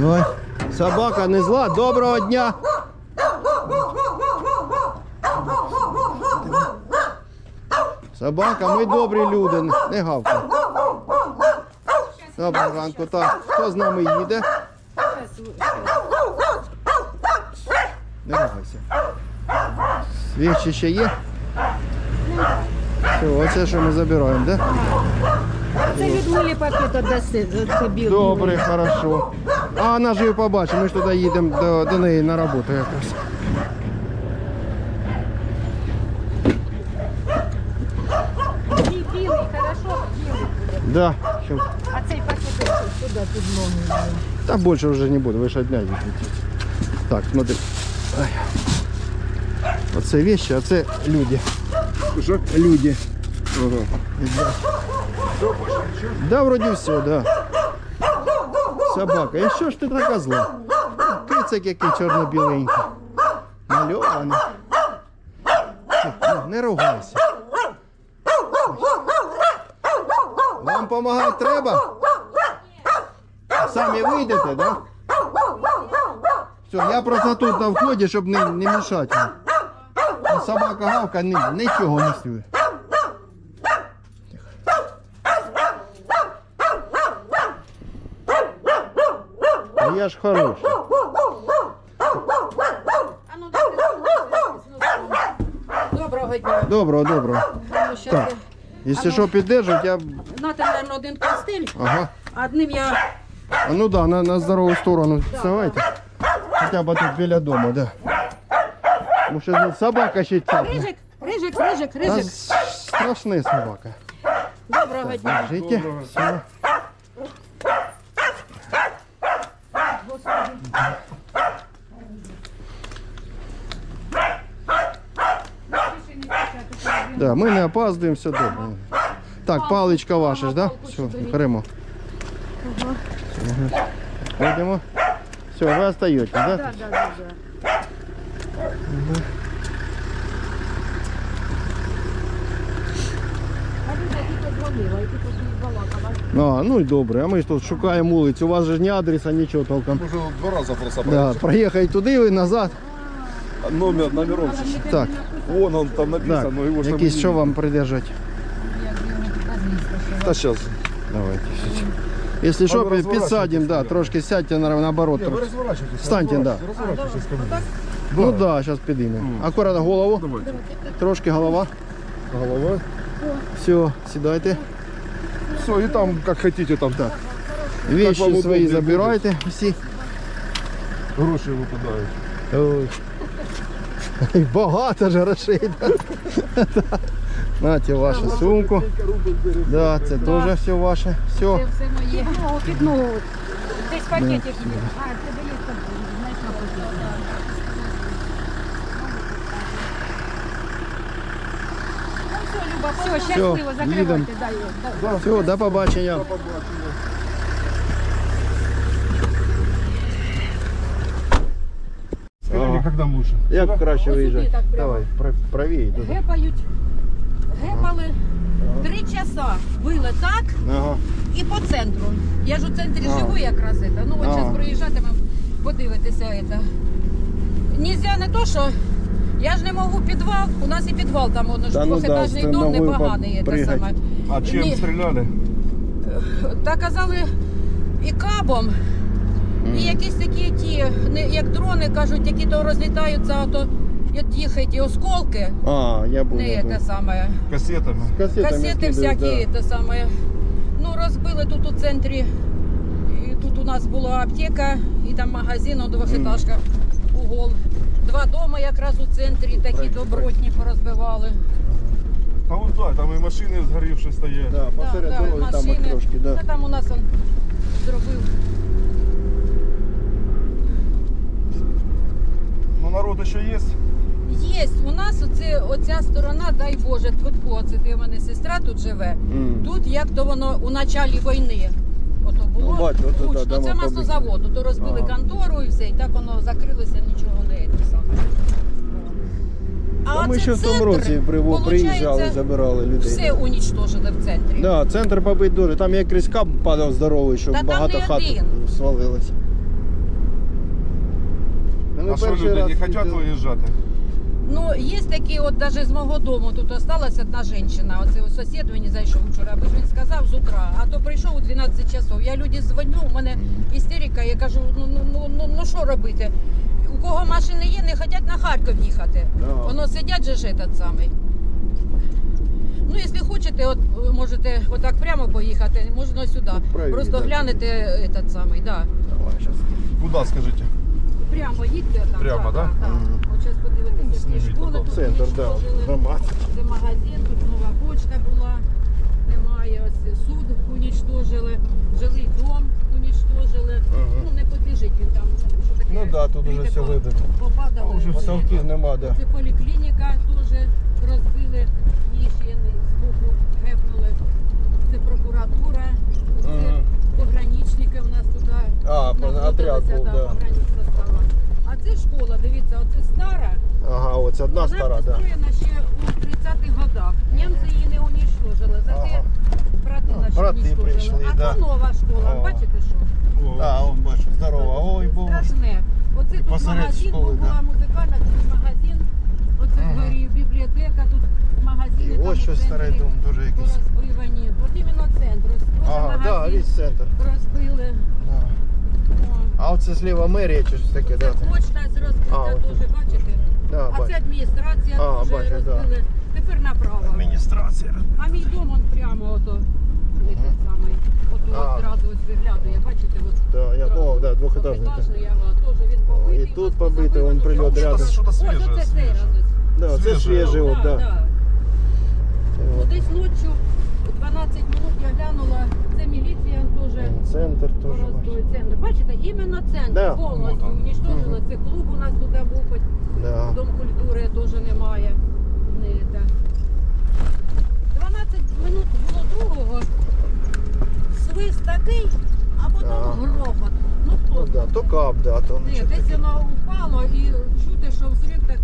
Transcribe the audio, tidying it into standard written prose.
Ой, собака не зла. Доброго дня. Собака, ми добрі люди, не гавка. Доброго ранку. Так, хто з нами їде? Не рухайся. Свічі ще є? Все, оце що ми забираємо, так? Да? Це від Милі пакет отдаси, це білий. Добре, хорошо. А вона ж її побачить, ми ж туди їдемо до неї на роботу якраз. Білий, хорошо, білий буде. Да. А цей пакет сюди під ноги. Там больше уже не буду, вы же одна едете. Так, смотри. Ай. Оце вещи, а це люди. Що? Люди. Ага. Да, вроде все, да. Собака. І що ж ти така зла? Кицик який чорно-біленький. Мальований. Не ругайся. Вам допомагати треба? Самі вийдете, да? Все, я просто тут на вході, щоб не мішати. Собака гавка нічого не стює. А я ж хороший. Доброго дня. Доброго. Ну, щас Так, якщо що піддержать, я... Нате, мабуть, один костиль, Ага. а одним я... А ну да, на здорову сторону вставайте. Хоча б тут біля дому, да. Тому що собака ще цапне. Рижик. Страшна собака. Доброго дня. Жите. Все. Да, ми не опаздуємо, все добре. Так, паличка ваша ж, да? Все, беремо. Йдемо. Все, ви остаєтесь, да? Да. А, ну і добре, а ми ж тут шукаємо вулицю, у вас же ж ні адреса, нічого толком. Уже 2 рази просто Да, проїхати туди і назад. Номером. Так, Вон он там написано, так. но его ж там Якийсь не що видно. вам придержать? Та сейчас. Давайте. Якщо що, розворачуйтесь, підсадимо, да, да. трошки сядьте наоборот. Не, вы разворачивайтесь. Встаньте, да. Разворачивайтесь ко мне. Ну так, да, зараз підіймемо. Акуратно голову, Давайте. трошки голова. Голова. Все, сідайте. Все, и там, как хотите, там так. Вещи вам свої удобнее забирайте всі. Гроши выпадают. Ой. Багато ж грошей. Нате вашу сумку. Да, це теж все ваше. Все. Це все моє. Під ногу. Десь пакетик є. А, тебе є там, знаєш, на пакеті. Все, щасливо, їдемо. закривайте, дай. Все, до побачення. Скажите, как нам лучше? Як краще Ось виїжджати? сюди так прямо. Давай, правіше. туди. Гепали 3 часа, били так Ага. і по центру. Я ж у центрі А. живу якраз. Ну от А. зараз проїжджатимемо, подивитися. Нельзя не то, що я ж не можу підвал, у нас і підвал там, воно ж Та ну да, двохетажний з дом ногою непоганий. Те попригать. саме. А чем Ні. стреляли? Та казали і кабом, і якісь такі ті, як дрони кажуть, які то розлітаються, а то їх ті осколки, А, я був. не те саме. Кассетами. Касети всякі, те саме. Ну, розбили тут у центрі. І тут у нас була аптека і там магазин, двохетажка, угол. 2 дома якраз у центрі такі добротні порозбивали. А вот да, там и машины сгоревшие стоят. Да, посеред дороги там от трошки, да. Та там у нас он зробив. Но народ еще есть. Є, у нас оця сторона, дай Боже, тут це у мене сестра тут живе. Тут як то воно у началі війни. Ото було Ну, бачу, ото, да, гучно. дома Це маслозавод, то розбили контору і все, і так воно закрилося, нічого не те саме. Та ми оце ще в тому центр, році приїжджали, получається, забирали людей. Все унічтожили в центрі. Да, центр побит дуже. Там як крізь кап падав здоровий, щоб Та там багато не хат один. свалилось. ми А що перший люди раз не хочуть їздили. виїжджати? Ну, є такі, от навіть з мого дому тут осталась одна жінка. Оце ось сусід мені зайшов вчора, бо він сказав з утра, а то прийшов у 12 часов. Я люди дзвоню, у мене істерика, я кажу, ну що робити? У кого машини є, не хочуть на Харків їхати. Да. Воно сидять же ж этот самий. Ну, якщо хочете, от можете отак прямо поїхати, можна сюди. Правильно, Просто да. глянете этот самий, да. Давай, щас. Куди, скажіть? Прямо їдьте там. Прямо, да? Мгм. От зараз подивитися, Сніміть які школи потім. тут Центр, да. уничтожили. Громад. Це магазин, тут нова почта була, немає, ось суд уничтожили, жилий дом уничтожили. Ага. Ну, не побіжить він там, що таке. Ну да, тут уже плити все видно. Попадали. А, вже все. Потолків нема, да. Це поліклініка теж розбили, її ще з боку гепнули. Це прокуратура, це Ага. пограничники у нас туди. А, знаходилися, отряд був, да. погранична стала. А це школа, дивіться, оце стара. Ага, ось одна Вона стара, да. построєна ще у 30-х годах. Німці її не уничтожили, зате Ага. брати А, наші брати уничтожили. прийшли, А да. то нова школа, О. бачите що? А, он бачу, здорово. Ой, був. Страшне. Оце тут Посеред магазин, школи, бо була да. музикальна, тут магазин, оце Ага. згорів, бібліотека, тут магазини. І там ось у щось старий центрі дом, дуже якийсь. порозбивані. От іменно центр. Ось теж Ага, да, магазин весь центр. розбили. Да. О. А оце зліва мерія чи щось таке, Це да? почта розбита А, от теж, бачите? Да, А це бачу. адміністрація А, теж бачу, да. розбили. Тепер направо. Адміністрація. А мій дом он прямо ото этот самий. Ото А. от зразу ось виглядає, бачите, от. Да, я, о, да, двохетажний. Двохетажний, ага, теж він побитий. І тут побитий, вон прильот Що-то рядом. що-то Ось свіже, оце цей раз. свіже. Да, це Свіже. свіже, от, да. Ну, От. десь ночі 12 минут я глянула, це міліція теж. Центр теж бачу. Роздує центр. Бачите, іменно центр Да. повністю Вот он. уничтожили. Це клуб у нас туди був, хоч Да. Дом культури теж немає. Не, та. 12 минут було другого. Свист такий, а потім Ага. грохот. Ну хто Ну да, то кап, да, то Ні, нічого десь таке. воно упало і чути, що взрив